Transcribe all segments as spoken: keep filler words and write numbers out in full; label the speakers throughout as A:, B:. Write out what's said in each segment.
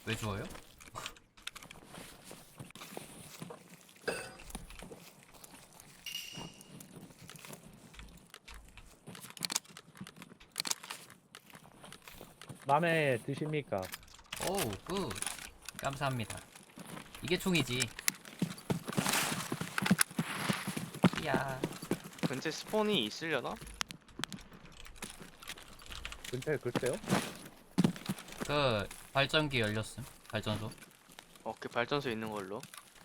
A: 왜 주워요?
B: 맘에 드십니까?
A: 오우 굿 감사합니다. 이게 총이지. 이야
C: 근처에 스폰이 있으려나?
B: 근처에 글쎄요?
A: 그 발전기 열렸음. 발전소.
C: 어, 그 발전소 있는 걸로.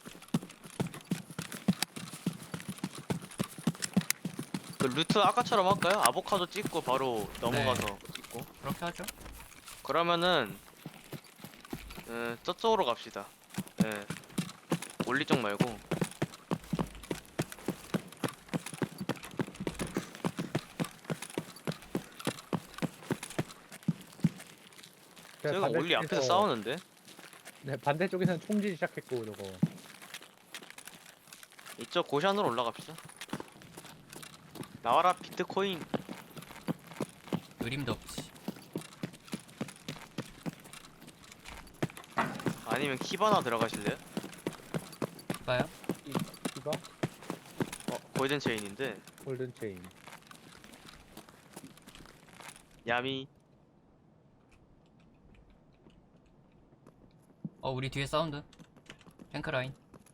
C: 그 루트 아까처럼 할까요? 아보카도 찍고 바로 넘어가서 찍고.
A: 그렇게 하죠.
C: 그러면은 음, 저쪽으로 갑시다. 예. 올리 쪽 말고.
B: 제가
C: 저희가 올리 앞에서 싸우는데.
B: 네, 반대쪽에서는 총질 시작했고 저거.
C: 이쪽 고샨으로 올라갑시다. 나와라 비트코인.
A: 그림도 없지.
C: 아니면 키바나 들어가실래요?
A: 봐요.
B: 이, 이거?
C: 어, 골든 체인인데.
B: 골든 체인.
C: 야미.
A: 어 우리 뒤에 사운드. 탱크 라인.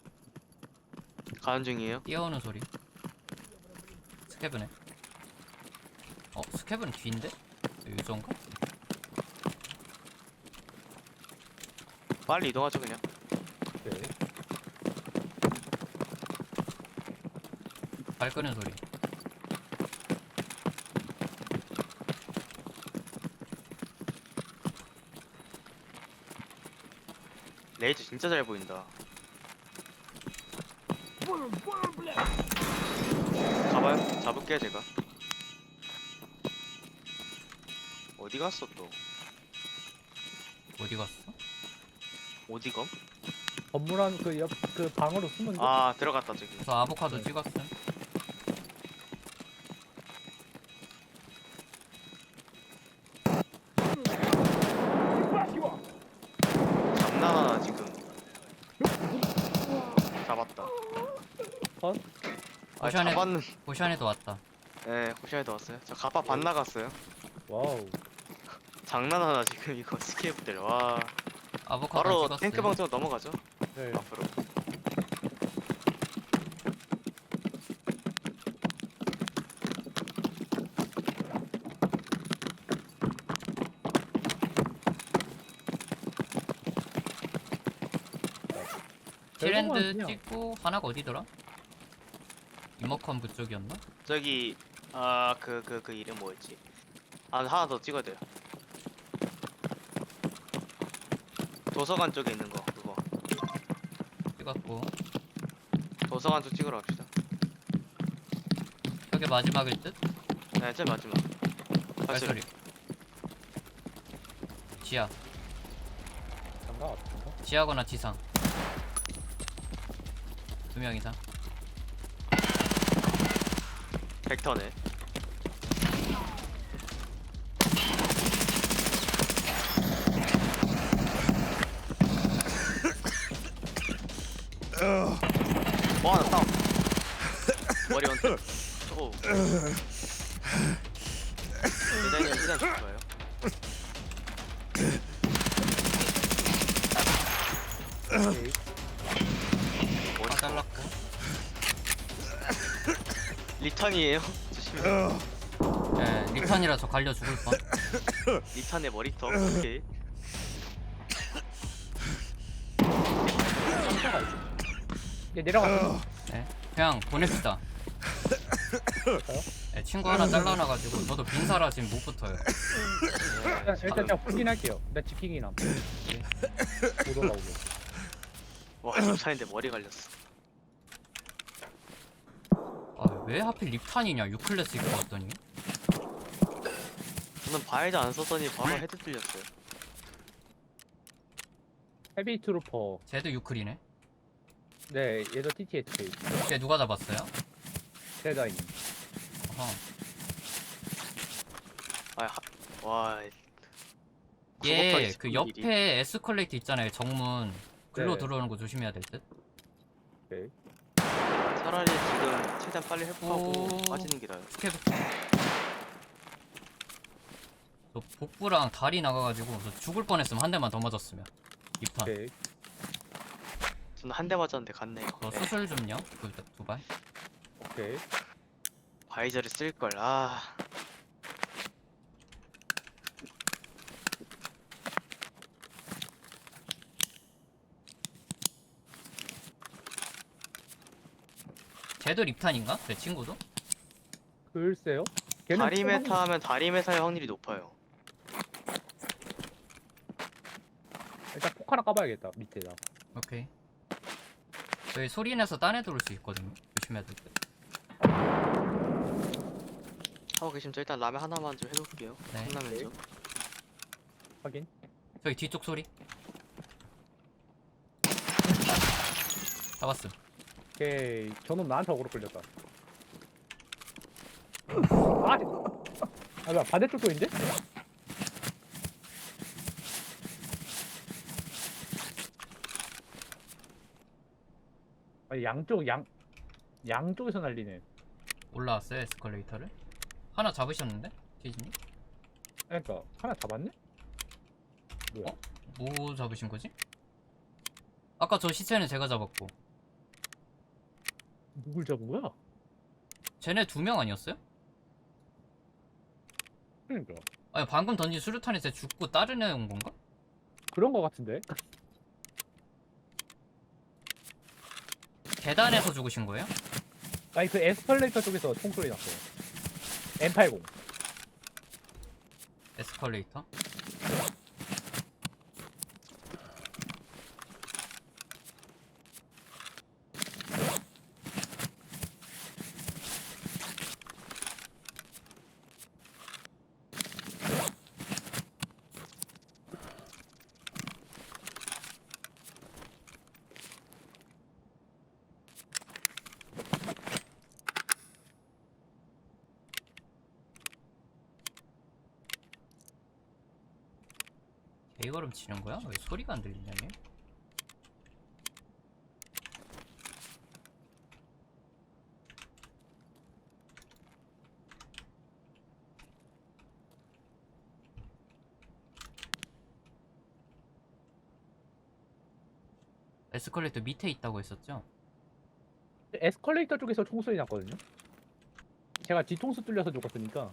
C: 가는 중이에요.
A: 뛰어오는 소리. 스캐브네. 어 스캐브는 뒤인데? 유저인가?
C: 빨리 이동하죠 그냥.
B: 네.
A: 발 끄는 소리.
C: 레이저 진짜 잘 보인다. 가봐요. 잡을게요 제가. 어디 갔어 또?
A: 어디 갔어?
C: 어디 검?
B: 건물 안 그 옆 그 방으로 숨은 거?
C: 아 들어갔다 저기.
A: 그래서 아보카도
B: 네.
A: 찍었음.
C: 장난하나 지금. 잡았다.
B: 컷?
C: 아
A: 오션에-
C: 잡았는.
A: 보션에도 왔다.
C: 네 호시아에도 왔어요. 저 가파 반 나갔어요.
B: 와우.
C: 장난하나 지금 이거 스케이프들. 와.
A: 아보카도
C: 바로
A: 찍었음.
C: 탱크 방송 넘어가죠.
B: 네.
C: 앞으로.
A: 티랜드
B: 결국은 그냥
A: 찍고 하나가 어디더라? 이머컴 그쪽이었나?
C: 저기 아 그 그 그 이름 뭐였지? 아 하나 더 찍어야 돼요. 도서관 쪽에 있는 거 그거.
A: 찍었고
C: 도서관 쪽 찍으러 갑시다.
A: 저게 마지막일 듯?
C: 네, 제일 마지막.
A: 발소리.
C: 발소리.
A: 지하.
B: 장가 같은가?
A: 지하거나 지상. 두 명 이상.
C: 벡터네. 뭐 하나 다운. 머리 원태. 오. 일단 일단 좋아요.
B: 오케이.
C: 머리
A: 다 잘랐고.
C: 리턴이에요. 조심해.
A: 예, 리턴이라 저 갈려 죽을 뻔.
C: 리턴의 머리터. 오케이.
B: 상자가 있어. 얘 내려갔어.
A: 예, 그냥 보냅시다. 예, 친구 하나 잘라놔가지고 저도 빈사라 지금 못 붙어요.
B: 일단 일단 그냥 확인할게요. 나 지키긴 함. 못 올라오게.
C: 와, 집사인데 머리 갈렸어.
A: 아, 왜 하필 립탄이냐? 유클래스 입고 왔더니.
C: 저는 바이저 안 썼더니 바로 헤드 뚫렸어요.
B: 헤비 트루퍼.
A: 쟤도 유클이네.
B: 네, 얘도 티티에이치.
A: 쟤 누가 잡았어요?
B: 데자인.
A: 어허.
C: 아, 하, 와,
A: 얘
C: 작업하기
A: 그
C: 싫은 일이.
A: 옆에 에스컬레이터 있잖아요. 정문 글로
B: 네.
A: 들어오는 거 조심해야 될 듯.
B: 오케이.
C: 차라리 지금 최대한 빨리 회복하고
A: 오.
C: 빠지는 게 나아요.
A: 스케브. 저 복부랑 다리 나가가지고 저 죽을 뻔했으면 한 대만 더 맞았으면. 입판.
B: 오케이.
C: 저는 한 대 맞았는데 갔네요.
A: 저
C: 네.
A: 수술 좀요. 두, 두 발.
B: 오케이.
C: 바이저를 쓸 걸. 아.
A: 쟤도 립탄인가? 내 친구도?
B: 글쎄요. 걔는
C: 다리
B: 초반에-
C: 메타 하면 다리 메타의 확률이 높아요.
B: 일단 폭 하나 까봐야겠다. 밑에다.
A: 오케이. 저희 소리 내서 딴 애 들어올 수 있거든요. 조심해야 될 듯.
C: 하고 계시면 저 일단 라면 하나만 좀 해놓을게요.
A: 네.
C: 컵라면죠.
B: 확인.
A: 저기 뒤쪽 소리. 잡았음.
B: 오케이. 저놈 나한테 어그로 끌렸다. 아, 아, 뭐야, 반대쪽도 있는데? 아니, 양쪽, 양, 양쪽에서 날리네.
A: 올라왔어요 에스컬레이터를. 하나 잡으셨는데? 티즈님?
B: 그러니까, 하나 잡았네? 뭐야?
A: 어? 뭐 잡으신 거지? 아까 저 시체는 제가 잡았고
B: 누굴 잡은 거야?
A: 쟤네 두 명 아니었어요?
B: 그러니까.
A: 아니 방금 던진 수류탄에 쟤 죽고 다른 애 온 건가?
B: 그런 거 같은데?
A: 계단에서 죽으신 거예요?
B: 아니, 그 에스컬레이터 쪽에서 총소리 났어요. 엠 팔십.
A: 에스컬레이터? 개걸음 치는 거야? 왜 소리가 안 들리냐 얘? 에스컬레이터 밑에 있다고 했었죠?
B: 에스컬레이터 쪽에서 총소리 났거든요? 제가 뒤통수 뚫려서 죽었으니까.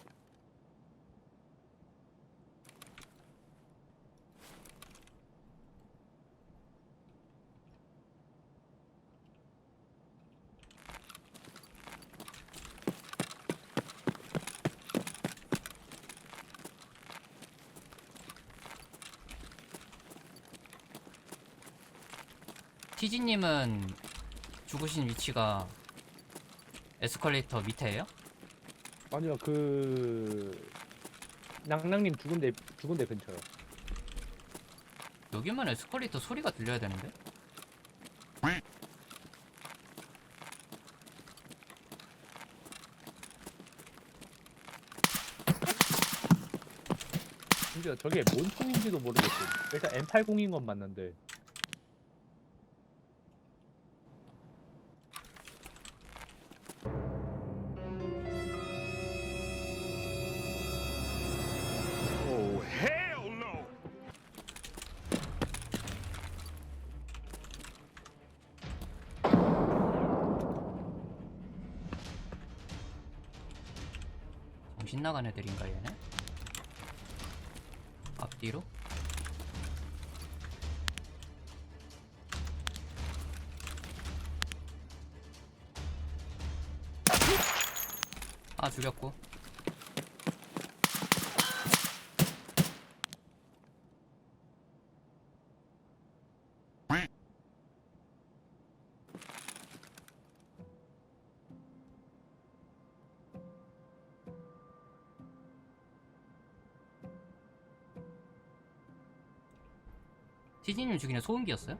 A: 티지님은 죽으신 위치가 에스컬레이터 밑에예요?
B: 아니요, 그... 낭낭님 죽은 데, 죽은 데 근처요.
A: 여기만 에스컬레이터 소리가 들려야 되는데?
B: 심지어 저게 뭔 총인지도 모르겠어요. 일단 엠 팔십인 건 맞는데.
D: Oh, hell no!
A: 정신 나간 애들인가 얘네? 앞뒤로? 아 죽였고. 티지님 죽이는 소음기였어요?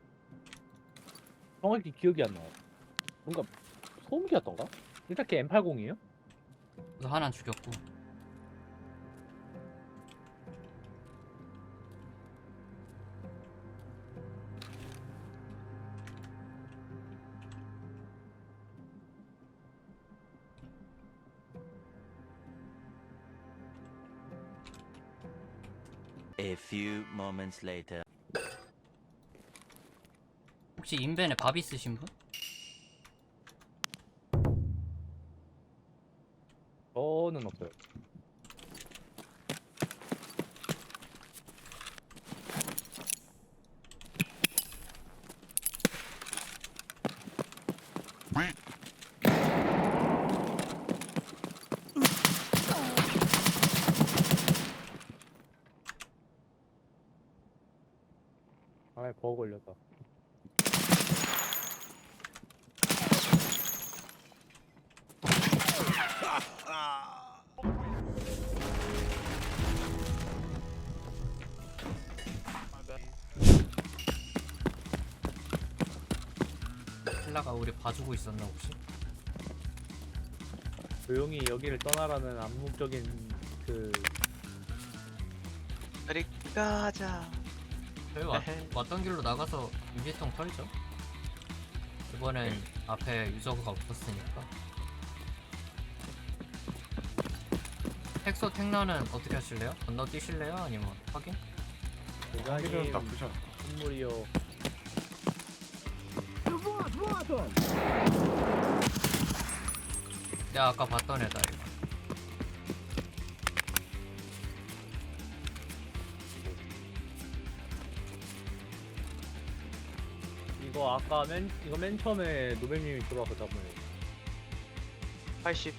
B: 정확히 기억이 안 나요. 뭔가 소음기였던가? 일단 걔 엠 팔십이에요?
A: 그래서 하나는 죽였고.
E: A few moments later.
A: 혹시 인벤에 밥 있으신 분?
B: 저는 없어요. 아이 버거 걸렸다.
A: 킬라가 우리 봐주고 있었나 혹시?
B: 조용히 여기를 떠나라는 암묵적인 그
C: 우리 가자.
A: 저희 왔,
C: 에헤.
A: 왔던 길로 나가서 유리통 털죠. 이번엔 앞에 유저가 없었으니까. 텍소 텍너는 어떻게 하실래요? 건너뛰실래요? 아니면 확인?
B: 대장님
D: 나쁘지 않아.
B: 선물이요.
A: 내가 아까 봤던 애다 이거.
B: 이거 아까 맨 이거 맨 처음에 노벨님이 들어와서 잡은 애.
C: 팔십.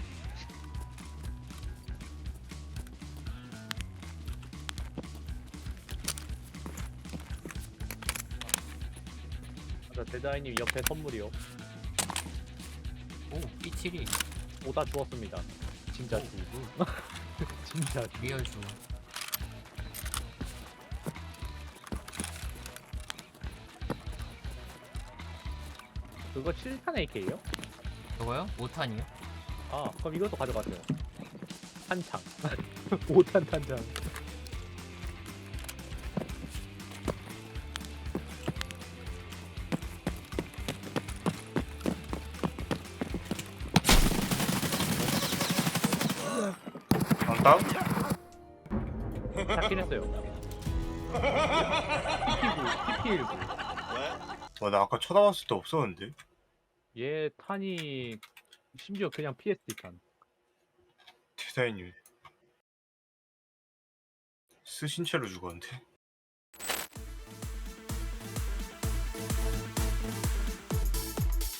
B: 맞아, 대다이님 옆에 선물이요.
A: 오 삐칠이
B: 오다 주웠습니다. 진짜 주. 진짜 주.
A: 리얼 주.
B: 그거 칠 탄 에이케이요?
A: 저거요? 오 탄이요?
B: 아 그럼 이것도 가져가세요. 탄창. 오 탄 탄창.
D: 안 다운?
B: 잡긴 했어요. 티피구, 티피일구.
D: 와, 나 아까 쳐다봤을 때 없었는데?
B: 얘 탄이 심지어 그냥 피에스디 탄.
D: 디자인이 쓰신 채로 죽었는데?